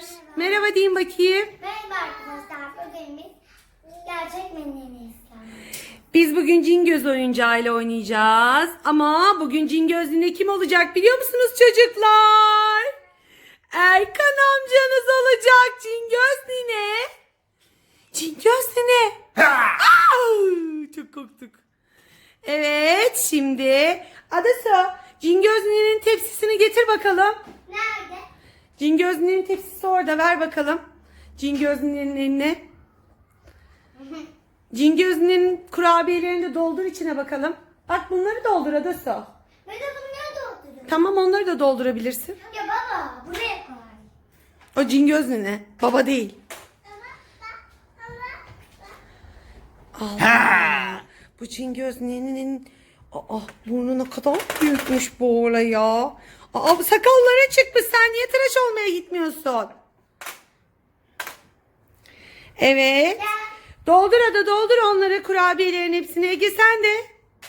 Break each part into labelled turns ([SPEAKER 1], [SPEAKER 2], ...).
[SPEAKER 1] Merhaba deyin bakayım.
[SPEAKER 2] Merhaba arkadaşlar. Bugün biz gerçek menüyü
[SPEAKER 1] Biz bugün Cingöz oyuncağıyla oynayacağız. Ama bugün Cingöz yine kim olacak biliyor musunuz çocuklar? Erkan amcanız olacak Cingöz nine. Cingöz nine. Çok korktuk. Evet şimdi Adası Cingöz ninenin tepsisini getir bakalım.
[SPEAKER 2] Nerede?
[SPEAKER 1] Cingöz ninenin tepsisi orada, ver bakalım. Cingöz ninenin eline. Cingöz ninenin kurabiyelerini de doldur içine bakalım. Bak bunları doldur Adası.
[SPEAKER 2] Ben de bunları dolduruyorum.
[SPEAKER 1] Tamam, onları da doldurabilirsin.
[SPEAKER 2] Ya baba buraya koy.
[SPEAKER 1] O Cingöz nine. Baba değil. Allah. Bu Cingöz ninenin burnuna kadar büyükmüş bu olay ya. Bu sakalları çıkmış. Sen niye tıraş olmaya gitmiyorsun? Evet. Doldur Ada, doldur onları, kurabiyelerin hepsini. Ege sen de.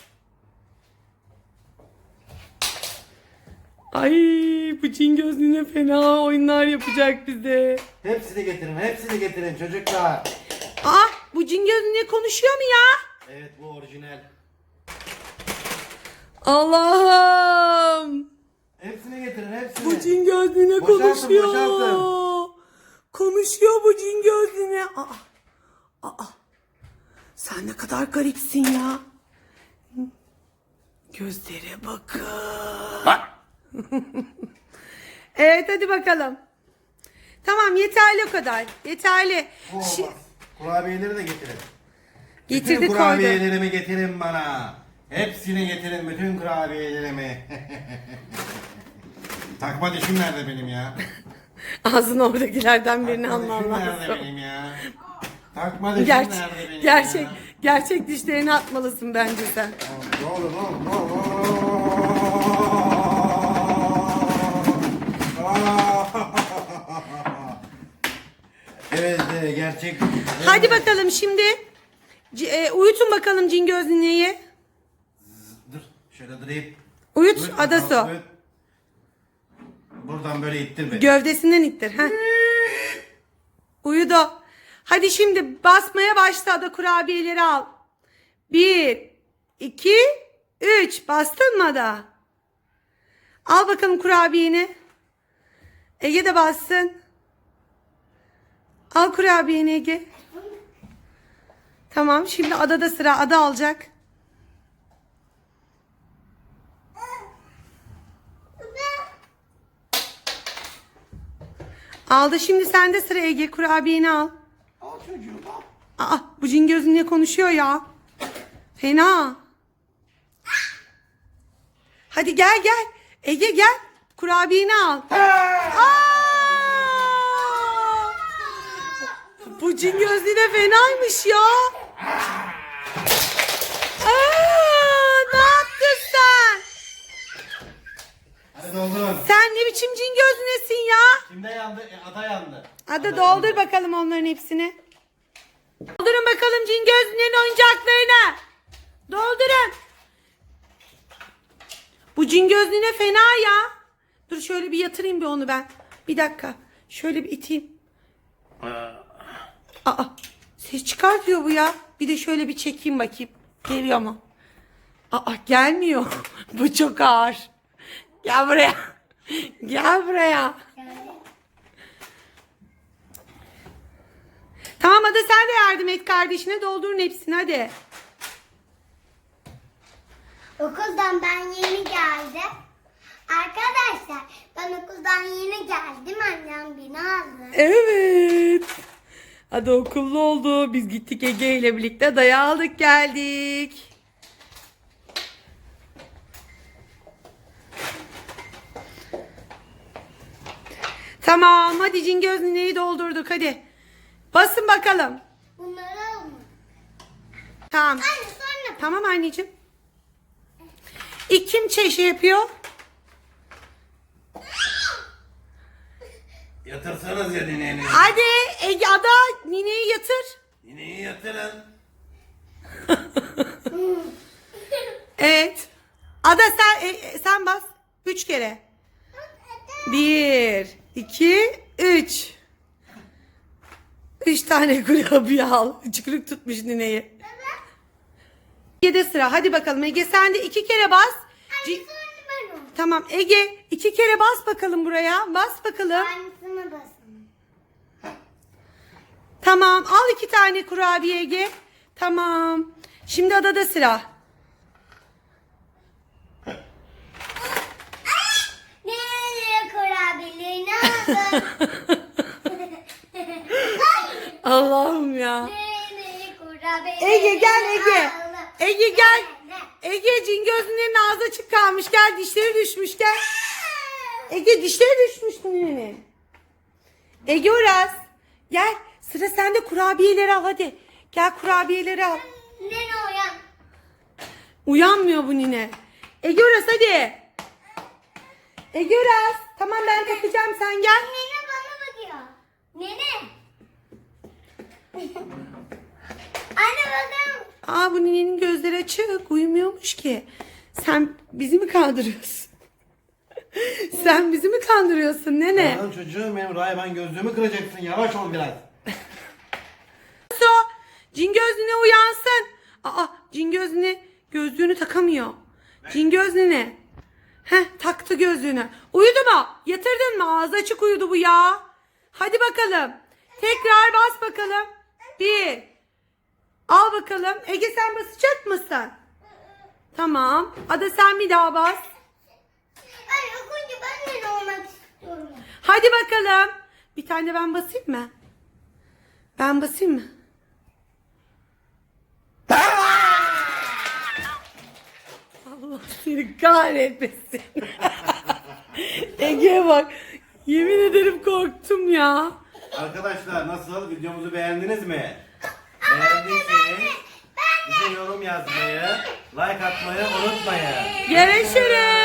[SPEAKER 1] Ay, bu Cingöz nine fena oyunlar yapacak bize.
[SPEAKER 3] Hepsini getirin çocuklar.
[SPEAKER 1] Bu Cingöz nine konuşuyor mu ya?
[SPEAKER 3] Evet, bu orijinal.
[SPEAKER 1] Allah'ım.
[SPEAKER 3] Hepsini getirin, hepsini.
[SPEAKER 1] Bu Cingöz nine
[SPEAKER 3] Boşaltın,
[SPEAKER 1] konuşuyor.
[SPEAKER 3] boşaltın.
[SPEAKER 1] Konuşuyor bu Cingöz nine. Sen ne kadar garipsin ya. Gözlere bakın. Evet, hadi bakalım. Tamam, yeterli o kadar. Yeterli.
[SPEAKER 3] Bu olmaz. Kurabiyeleri de getirin.
[SPEAKER 1] Getirdi,
[SPEAKER 3] Bütün
[SPEAKER 1] koydu.
[SPEAKER 3] kurabiyelerimi getirin bana. Hepsini getirin, bütün kurabiyelerimi. Takma dişim nerede benim ya?
[SPEAKER 1] Ağzını oradakilerden birini
[SPEAKER 3] Takma
[SPEAKER 1] alman
[SPEAKER 3] dişim nerede
[SPEAKER 1] lazım.
[SPEAKER 3] benim ya? Takma dişim nerede benim ya?
[SPEAKER 1] Gerçek dişlerini atmalısın bence sen.
[SPEAKER 3] Ne olur, ne olur, ne olur. Evet, gerçek.
[SPEAKER 1] Hadi bakalım şimdi. Uyutun bakalım Cingöz nineyi.
[SPEAKER 3] Dur, şöyle durayım.
[SPEAKER 1] Uyut
[SPEAKER 3] Uyut
[SPEAKER 1] Adası.
[SPEAKER 3] bakalım, uyut. Buradan böyle ittir beni.
[SPEAKER 1] Gövdesinden ittir. Heh. Uyudu. Hadi şimdi basmaya başla Ada, kurabiyeleri al. 1, 2, 3. Bastın mı Ada? Al bakalım kurabiyeni. Ege de bassın. Al kurabiyeni Ege. Tamam, şimdi Ada'da sıra. Ada alacak. Aldı, şimdi sende sıra Ege. Kurabiyeni al.
[SPEAKER 3] Al çocuğum, al.
[SPEAKER 1] Bu Cingöz niye konuşuyor ya? Fena. Hadi gel. Ege gel. Kurabiyeni al. Bu Cingöz yine fenaymış ya. Ne yaptın sen?
[SPEAKER 3] Hadi doldurun.
[SPEAKER 1] Sen ne biçim Cingöz nesin ya?
[SPEAKER 3] Kimde yandı? Ada yandı.
[SPEAKER 1] Hadi doldur bakalım onların hepsini. Doldurun bakalım Cingöz'ün oyuncaklarını. Doldurun. Bu Cingöz nine fena ya. Dur şöyle bir yatırayım bir onu ben. Bir dakika. Şöyle bir iteyim. Ses çıkartıyor bu ya. Bir de şöyle bir çekeyim bakayım. Geliyor mu? Gelmiyor. Bu çok ağır. Gel buraya. Gel buraya. Tamam Ada, sen de yardım et kardeşine, doldurun hepsini hadi.
[SPEAKER 2] Okuldan ben yeni geldim. Arkadaşlar ben okuldan yeni geldim. Annem beni aldı.
[SPEAKER 1] Evet. Hadi okullu oldu. Biz gittik Ege ile birlikte daya aldık geldik. Tamam, hadi Cingöz nineyi doldurduk hadi. Basın bakalım.
[SPEAKER 2] Bunları alma.
[SPEAKER 1] Tamam.
[SPEAKER 2] Anne sonra.
[SPEAKER 1] Tamam anneciğim. İlk kim şey yapıyor?
[SPEAKER 3] Yatırsanız ya nineni.
[SPEAKER 1] Hadi Ege, Ada nineyi yatır.
[SPEAKER 3] Nineyi yatırın.
[SPEAKER 1] Evet. Ada sen bas. 3 kere. 1, 2, 3. 3 tane kurabiye al. Çıkırık tutmuş nineyi. Ege'de sıra. Hadi bakalım Ege, sen de 2 kere bas.
[SPEAKER 2] Aynısını ben onu.
[SPEAKER 1] Tamam Ege, 2 kere bas bakalım buraya. Bas bakalım.
[SPEAKER 2] Aynısını basın.
[SPEAKER 1] Tamam, al 2 tane kurabiye Ege. Tamam. Şimdi Ada'da sıra.
[SPEAKER 2] Nereye kurabilir ne oldu?
[SPEAKER 1] Allah'ım ya.
[SPEAKER 2] Nereye kurabilir?
[SPEAKER 1] Ege gel Ege.
[SPEAKER 2] Allah.
[SPEAKER 1] Ege gel. Ege, Cingöz'ün ağzı açık kalmış. Gel, dişleri düşmüş, gel. Ege, dişleri düşmüş ninenin. Ege Uras. Gel, sıra sende, kurabiyeleri al hadi. Gel, kurabiyeleri al.
[SPEAKER 2] Nene uyan.
[SPEAKER 1] Uyanmıyor bu nine. Ege Uras hadi. Ege Uras. Tamam, ben takacağım, sen gel.
[SPEAKER 2] Nene bana bakıyor. Nene. Anne bakın.
[SPEAKER 1] Aa, bu ninenin gözleri açık. Uyumuyormuş ki. Sen bizi mi kandırıyorsun? Sen bizi mi kandırıyorsun nene?
[SPEAKER 3] Lan çocuğum benim, Rayban gözlüğümü kıracaksın. Yavaş ol biraz.
[SPEAKER 1] So, Cingöz nine uyansın. Aa, Cingöz nine gözlüğünü takamıyor. Cingöz nine. Heh, taktı gözlüğünü. Uyudu mu? Yatırdın mı? Ağzı açık uyudu bu ya. Hadi bakalım. Tekrar bas bakalım. 1. Al bakalım. Ege, sen basacak mısın? Tamam. Ada, sen bir daha bas.
[SPEAKER 2] Anne okunca ben nene olmak istiyorum.
[SPEAKER 1] Hadi bakalım. Bir tane de ben basayım mı? Ben basayım mı? Allah seni kahretmesin. Ege'ye bak. Yemin ederim korktum ya.
[SPEAKER 3] Arkadaşlar, nasıl? Videomuzu beğendiniz mi? Beğendiyseniz bize yorum yazmayı, like atmayı unutmayın.
[SPEAKER 1] Görüşürüz.